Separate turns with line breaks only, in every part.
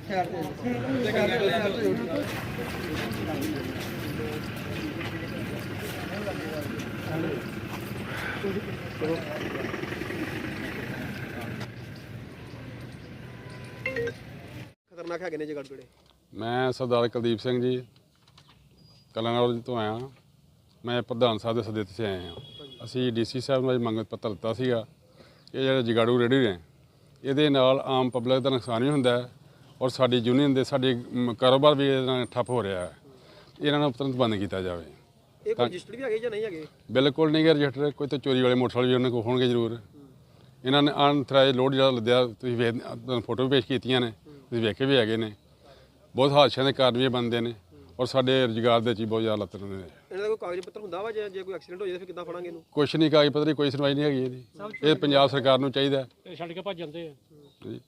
खतरनाक है जगह किहड़े?
मैं सरदार कुलदीप सिंह जी कलानौर तो आया। मैं प्रधान साहब के सदे से आए हैं। ਅਸੀਂ ਡੀਸੀ ਸਾਹਿਬ ਨੂੰ ਮੰਗ ਪੱਤਰ ਦਿੱਤਾ ਸੀਗਾ। ਇਹ ਜਿਹੜੇ ਜਗਾੜੂ ਰੇਹੜੀ ਨੇ ਇਹਦੇ ਨਾਲ ਆਮ ਪਬਲਿਕ ਦਾ ਨੁਕਸਾਨ ਵੀ ਹੁੰਦਾ ਹੈ ਔਰ ਸਾਡੀ ਯੂਨੀਅਨ ਦੇ ਸਾਡੇ ਕਾਰੋਬਾਰ ਵੀ ਇਹਦੇ ਨਾਲ ਠੱਪ ਹੋ ਰਿਹਾ ਹੈ। ਇਹਨਾਂ ਨੂੰ ਤੁਰੰਤ ਬੰਦ ਕੀਤਾ ਜਾਵੇ।
ਇਹ ਕੋਈ ਰਜਿਸਟਰ ਵੀ ਹੈਗੇ ਜਾਂ ਨਹੀਂ ਹੈਗੇ?
ਬਿਲਕੁਲ ਨਹੀਂ ਗੇ ਰਜਿਸਟਰ। ਕੋਈ ਤਾਂ ਚੋਰੀ ਵਾਲੇ ਮੋਟਰਸਾਈਕਲ ਵੀ ਉਹਨਾਂ ਕੋਲ ਹੋਣਗੇ ਜ਼ਰੂਰ। ਇਹਨਾਂ ਨੇ ਅਨਥਰਾਈਜ਼ਡ ਲੋਡ ਜਿਹੜਾ ਲੱਦਿਆ ਤੁਸੀਂ ਫੋਟੋ ਵੀ ਪੇਸ਼ ਕੀਤੀਆਂ ਨੇ, ਤੁਸੀਂ ਵੇਖੇ ਵੀ ਹੈਗੇ ਨੇ। ਬਹੁਤ ਹਾਦਸਿਆਂ ਦੇ ਕਾਰਨ ਵੀ ਬਣਦੇ ਨੇ ਔਰ ਸਾਡੇ ਰੁਜ਼ਗਾਰ ਦੇ 'ਚ ਬਹੁਤ ਜ਼ਿਆਦਾ ਲੱਤ ਨੇ।
ਇਹਨਾਂ ਦਾ ਕੋਈ ਕਾਗਜ਼ ਪੱਤਰ ਹੁੰਦਾ ਵਾ ਜੇ ਕੋਈ ਐਕਸੀਡੈਂਟ ਹੋ ਜਾਏ ਫਿਰ ਕਿੱਦਾਂ ਫੜਾਂਗੇ ਇਹਨੂੰ?
ਕੁਛ ਨਹੀਂ ਕਾਗਜ਼ ਪੱਤਰ, ਕੋਈ ਸੁਣਵਾਈ ਨਹੀਂ ਹੈਗੀ ਇਹਦੀ। ਇਹ ਪੰਜਾਬ ਸਰਕਾਰ ਨੂੰ ਚਾਹੀਦਾ।
ਇਹ ਛੱਡ ਕੇ ਭੱਜ ਜਾਂਦੇ ਆ
ਜੀ।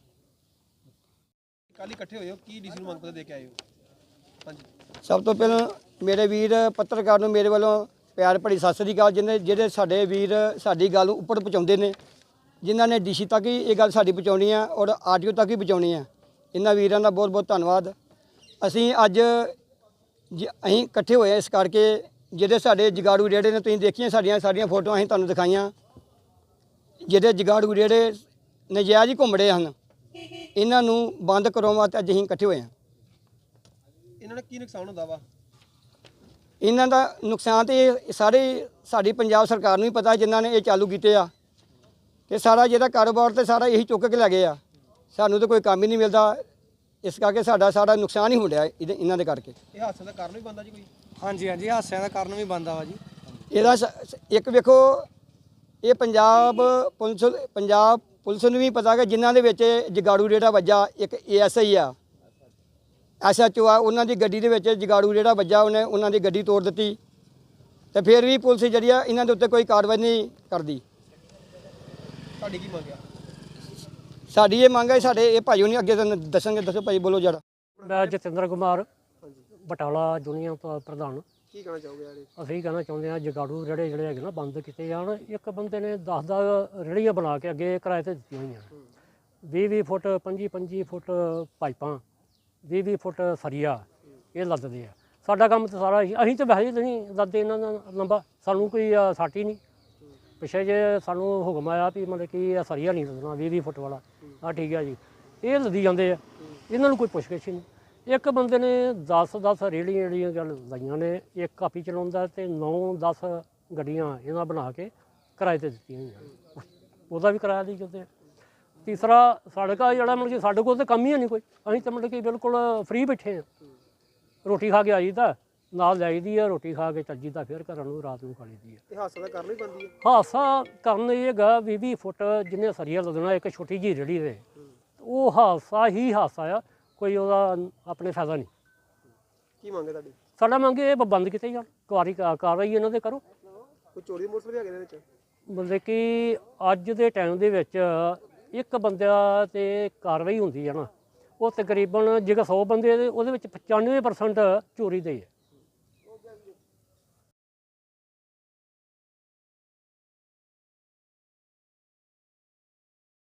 ਕੱਲ ਇਕੱਠੇ ਹੋਏ ਹੋ, ਕੀ ਡੀਸੀ ਨੂੰ ਮੰਗ ਪੱਤਰ ਦੇ ਕੇ ਆਏ ਹੋ? ਹਾਂਜੀ।
ਸਭ ਤੋਂ ਪਹਿਲਾਂ ਮੇਰੇ ਵੀਰ ਪੱਤਰਕਾਰ ਨੂੰ ਮੇਰੇ ਵੱਲੋਂ ਪਿਆਰ ਭਰੀ ਸਤਿ ਸ੍ਰੀ ਅਕਾਲ। ਜਿਹੜੇ ਸਾਡੇ ਵੀਰ ਸਾਡੀ ਗੱਲ ਉੱਪਰ ਪਹੁੰਚਾਉਂਦੇ ਨੇ, ਜਿਨ੍ਹਾਂ ਨੇ ਡੀਸੀ ਤੱਕ ਹੀ ਇਹ ਗੱਲ ਸਾਡੀ ਪਹੁੰਚਾਉਣੀ ਆ ਔਰ ਆਰਟੀਓ ਤੱਕ ਹੀ ਪਹੁੰਚਾਉਣੀ ਆ, ਇਹਨਾਂ ਵੀਰਾਂ ਦਾ ਬਹੁਤ ਬਹੁਤ ਧੰਨਵਾਦ। ਅਸੀਂ ਅੱਜ ਅਸੀਂ ਇਕੱਠੇ ਹੋਏ ਇਸ ਕਰਕੇ ਜਿਹੜੇ ਸਾਡੇ ਜਗਾੜੂ ਰੇੜੇ ਨੇ, ਤੁਸੀਂ ਦੇਖੀਆਂ ਸਾਡੀਆਂ ਫੋਟੋਆਂ ਅਸੀਂ ਤੁਹਾਨੂੰ ਦਿਖਾਈਆਂ। ਜਿਹੜੇ ਜਗਾੜੂ ਰੇੜੇ ਨਜਾਇਜ਼ ਹੀ ਘੁੰਮ ਰਹੇ ਹਨ, ਇਹਨਾਂ ਨੂੰ ਬੰਦ ਕਰਾਉਣ ਵਾਸਤੇ ਅੱਜ ਅਸੀਂ ਇਕੱਠੇ ਹੋਏ ਹਾਂ।
ਇਹਨਾਂ ਦਾ ਕੀ ਨੁਕਸਾਨ ਹੁੰਦਾ ਵਾ?
ਇਹਨਾਂ ਦਾ ਨੁਕਸਾਨ ਤੇ ਇਹ ਸਾਰੇ ਸਾਡੀ ਪੰਜਾਬ ਸਰਕਾਰ ਨੂੰ ਹੀ ਪਤਾ, ਜਿਨ੍ਹਾਂ ਨੇ ਇਹ ਚਾਲੂ ਕੀਤੇ ਆ। ਤੇ ਸਾਰਾ ਜਿਹੜਾ ਕਾਰੋਬਾਰ ਤੇ ਸਾਰਾ ਇਹੀ ਚੁੱਕ ਕੇ ਲੈ ਗਏ ਆ। ਸਾਨੂੰ ਤਾਂ ਕੋਈ ਕੰਮ ਹੀ ਨਹੀਂ ਮਿਲਦਾ, ਇਸ ਕਰਕੇ ਸਾਡਾ ਨੁਕਸਾਨ ਹੀ ਹੋ ਰਿਹਾ ਇਹਨਾਂ ਦੇ ਕਰਕੇ।
ਇਹ ਹਾਦਸੇ ਦਾ ਕਾਰਨ ਵੀ ਬਣਦਾ ਜੀ ਕੋਈ?
ਹਾਂਜੀ ਹਾਦਸਿਆਂ ਦਾ ਕਾਰਨ ਵੀ ਬਣਦਾ ਵਾ ਜੀ।
ਇਹਦਾ ਇੱਕ ਵੇਖੋ, ਇਹ ਪੰਜਾਬ ਪੁਲਿਸ ਨੂੰ ਵੀ ਪਤਾ ਕਿ ਜਿਨ੍ਹਾਂ ਦੇ ਵਿੱਚ ਜਗਾੜੂ ਰੇੜਾ ਵੱਜਾ, ਇੱਕ ASI ਆ, SHO ਆ, ਉਹਨਾਂ ਦੀ ਗੱਡੀ ਦੇ ਵਿੱਚ ਜਗਾੜੂ ਰੇੜਾ ਵੱਜਾ, ਉਹਨੇ ਉਹਨਾਂ ਦੀ ਗੱਡੀ ਤੋੜ ਦਿੱਤੀ। ਤੇ ਫਿਰ ਵੀ ਪੁਲਿਸ ਜਿਹੜੀ ਆ ਇਹਨਾਂ ਦੇ ਉੱਤੇ ਕੋਈ ਕਾਰਵਾਈ ਨਹੀਂ ਕਰਦੀ।
ਤੁਹਾਡੀ ਕੀ ਮੰਗ ਆ?
ਸਾਡੀ ਇਹ ਮੰਗ ਹੈ, ਸਾਡੇ ਇਹ ਭਾਈ ਉਹਨੇ ਅੱਗੇ ਦੱਸਣਗੇ। ਦੱਸੋ ਭਾਈ, ਬੋਲੋ ਜਰਾ।
ਮੈਂ ਜਤਿੰਦਰ ਕੁਮਾਰ ਬਟਾਲਾ ਯੂਨੀਅਨ ਤੋਂ ਪ੍ਰਧਾਨ।
ਕੀ ਕਹਿਣਾ ਚਾਹੋਗੇ ਯਾਰ?
ਅਸੀਂ ਕਹਿਣਾ ਚਾਹੁੰਦੇ ਹਾਂ ਜਗਾੜੂ ਜਿਹੜੇ ਹੈਗੇ ਨਾ ਬੰਦ ਕੀਤੇ ਜਾਣ। ਇੱਕ ਬੰਦੇ ਨੇ 10 ਰੇਹੜੀਆਂ ਬਣਾ ਕੇ ਅੱਗੇ ਕਿਰਾਏ ਤੇ ਦਿੱਤੀਆਂ ਹੋਈਆਂ, 20-20 ਫੁੱਟ 25-25 ਫੁੱਟ ਪਾਈਪਾਂ, 20-20 ਫੁੱਟ ਸਰੀਆ ਇਹ ਲੱਦਦੇ ਆ। ਸਾਡਾ ਕੰਮ ਤਾਂ ਸਾਰਾ ਅਸੀਂ ਤਾਂ ਵੈਸੇ ਨਹੀਂ ਲੱਦਦੇ ਇਹਨਾਂ ਦਾ ਲੰਬਾ, ਸਾਨੂੰ ਕੋਈ ਸਾਟੀ ਨਹੀਂ। ਪਿੱਛੇ ਜੇ ਸਾਨੂੰ ਹੁਕਮ ਆਇਆ ਵੀ ਮਤਲਬ ਕਿ ਸਰੀਆ ਨਹੀਂ ਲੱਦਣਾ 20-20 ਫੁੱਟ ਵਾਲਾ, ਹਾਂ ਠੀਕ ਹੈ ਜੀ, ਇਹ ਲੱਦੀ ਜਾਂਦੇ ਆ। ਇਹਨਾਂ ਨੂੰ ਕੋਈ ਪੁੱਛਗਿੱਛ ਨਹੀਂ। ਇੱਕ ਬੰਦੇ ਨੇ 10 ਰੇਹੜੀਆਂ ਗੱਲ ਲਾਈਆਂ ਨੇ, ਇੱਕ ਕਾਪੀ ਚਲਾਉਂਦਾ ਤੇ 9-10 ਗੱਡੀਆਂ ਇਹਨਾਂ ਬਣਾ ਕੇ ਕਿਰਾਏ ਤੇ ਦਿੱਤੀਆਂ ਹੋਈਆਂ, ਉਹਦਾ ਵੀ ਕਿਰਾਇਆ ਦੇ ਜਾਂਦੇ ਆ। ਤੀਸਰਾ ਸੜਕਾ ਜਿਹੜਾ ਮਤਲਬ ਕਿ ਸਾਡੇ ਕੋਲ ਤਾਂ ਕੰਮ ਹੀ ਨਹੀਂ ਕੋਈ, ਅਸੀਂ ਤਾਂ ਮਤਲਬ ਕਿ ਬਿਲਕੁਲ ਫ੍ਰੀ ਬੈਠੇ ਹਾਂ। ਰੋਟੀ ਖਾ ਕੇ ਆਈ ਤਾਂ ਨਾਲ ਜਾਈਦੀ ਆ, ਰੋਟੀ ਖਾ ਕੇ ਚੱਜੀ ਤਾਂ ਫਿਰ ਘਰਾਂ ਨੂੰ ਰਾਤ ਨੂੰ ਖਾ ਲਈਦੀ ਆ।
ਇਹ ਹਾਦਸੇ ਦਾ ਕਾਰਨ ਵੀ ਬਣਦੀ ਹੈ?
ਹਾਦਸਾ ਕਾਰਨ ਇਹ ਹੈਗਾ 20-20 ਫੁੱਟ ਜਿਹਨੇ ਸਰੀਆ ਲੱਦਣਾ ਇੱਕ ਛੋਟੀ ਜਿਹੀ ਰੇਹੜੀ ਦੇ, ਉਹ ਹਾਦਸਾ ਆ, ਕੋਈ ਉਹਦਾ ਆਪਣੇ ਫਾਇਦਾ ਨਹੀਂ।
ਕੀ ਮੰਗ ਹੈ ਤੁਹਾਡੀ?
ਸਾਡਾ ਮੰਗ ਇਹ ਬੰਦ ਕੀਤੇ ਜਾਣ, ਕਾਰਵਾਈ ਇਹਨਾਂ ਦੇ ਕਰੋ।
ਕੋਈ ਚੋਰੀ ਦੇ ਮੋਟਰਸਾਈਕਲ ਵੀ ਹੈਗੇ ਇਹਦੇ ਵਿੱਚ?
ਮਤਲਬ ਕਿ ਅੱਜ ਦੇ ਟਾਈਮ ਦੇ ਵਿੱਚ ਇੱਕ ਬੰਦਾ ਤੇ ਕਾਰਵਾਈ ਹੁੰਦੀ ਹੈ ਨਾ, ਉਹ ਤਕਰੀਬਨ ਜੇਕਰ 100 ਬੰਦੇ ਉਹਦੇ ਵਿੱਚ 95% ਚੋਰੀ ਦੇ ਹੈ।